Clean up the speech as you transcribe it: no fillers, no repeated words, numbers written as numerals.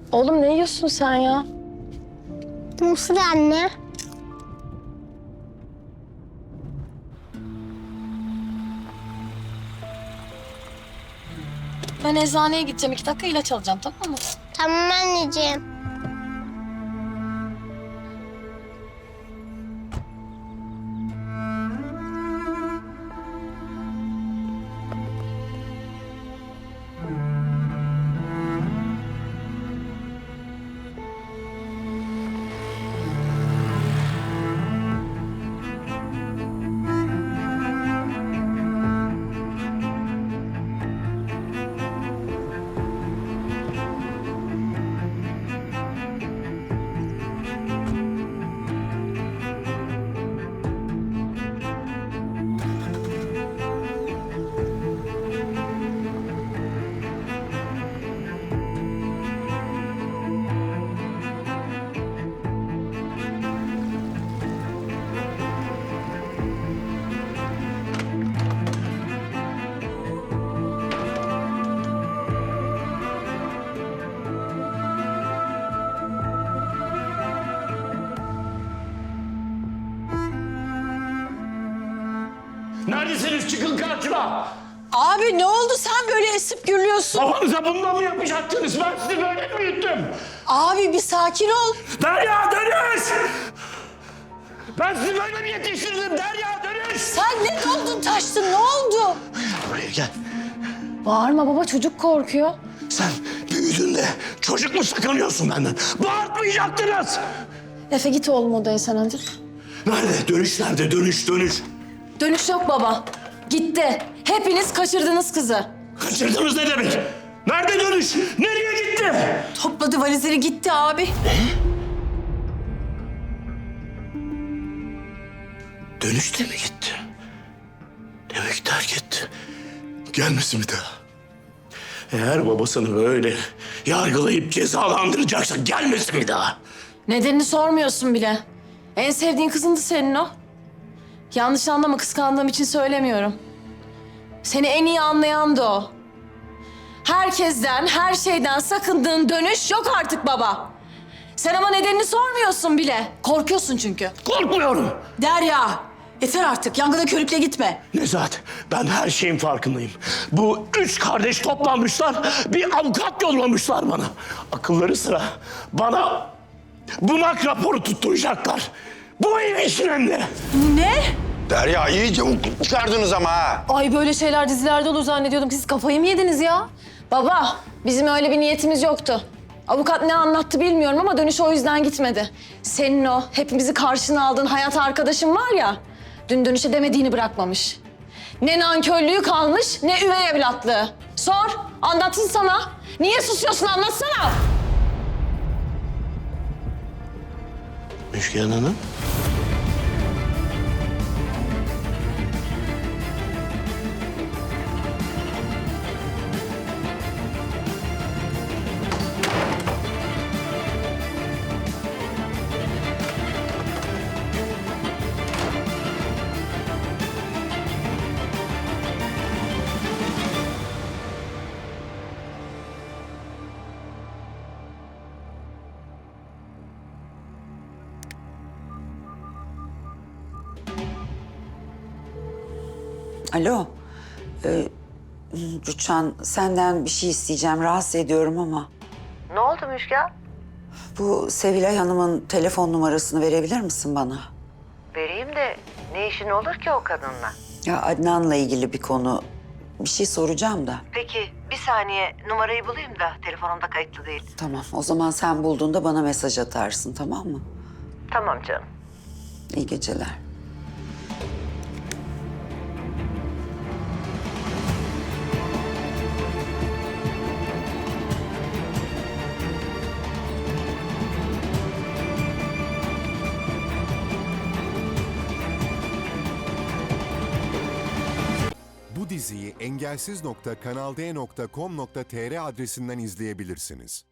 Oğlum ne yiyorsun sen ya? Mısır anne. Ben eczaneye gideceğim. 2 dakika ilaç alacağım, tamam mı? Tamam anneciğim. Neredesiniz? Çıkın karşıma! Abi ne oldu sen böyle esip gürlüyorsun? Babanıza bundan mı yapacaktınız? Ben sizi böyle mi büyüttüm? Abi bir sakin ol. Derya dönüş! Ben sizi böyle mi yetiştirdim? Derya dönüş! Sen ne oldun taştın ne oldu? Buraya gel. Bağırma baba, çocuk korkuyor. Sen büyüdüğünde çocuk mu sakınıyorsun benden? Bağırtmayacaktınız! Efe git oğlum odaya sen hadi. Nerede? Dönüş nerede? Dönüş, dönüş. Dönüş yok baba. Gitti. Hepiniz kaçırdınız kızı. Kaçırdınız ne demek? Nerede dönüş? Nereye gitti? Topladı valizleri gitti abi. Dönüş de mi gitti? Demek terk etti. Gelmesin bir daha. Eğer babasını böyle yargılayıp cezalandıracaksa gelmesin bir daha. Nedenini sormuyorsun bile. En sevdiğin kızındı senin o. Yanlış anlama, kıskandığım için söylemiyorum. Seni en iyi anlayan da o. Herkesten, her şeyden sakındığın dönüş yok artık baba. Sen ama nedenini sormuyorsun bile. Korkuyorsun çünkü. Korkmuyorum. Derya yeter artık yangına körükle gitme. Nezahat, ben her şeyin farkındayım. Bu 3 kardeş toplanmışlar, bir avukat yollamışlar bana. Akılları sıra bana bunak raporu tutturacaklar. Bu ev işin önünde. Ne? Derya iyice çıkardınız ama ha. Ay böyle şeyler dizilerde olur zannediyordum. Siz kafayı mı yediniz ya? Baba, bizim öyle bir niyetimiz yoktu. Avukat ne anlattı bilmiyorum ama dönüş o yüzden gitmedi. Senin o hepimizi karşına aldığın hayat arkadaşın var ya, dün dönüşe demediğini bırakmamış. Ne nankörlüğü kalmış, ne üvey evlatlığı. Sor, anlatsın sana. Niye susuyorsun, anlatsana. Müşken Hanım. Alo. Rüçhan senden bir şey isteyeceğim. Rahatsız ediyorum ama. Ne oldu Müjgan? Bu Sevilay Hanım'ın telefon numarasını verebilir misin bana? Vereyim de ne işin olur ki o kadınla? Ya Adnan'la ilgili bir konu. Bir şey soracağım da. Peki bir saniye numarayı bulayım da telefonumda kayıtlı değil. Tamam o zaman sen bulduğunda bana mesaj atarsın tamam mı? Tamam canım. İyi geceler. Bu diziyi engelsiz.kanalde.com.tr adresinden izleyebilirsiniz.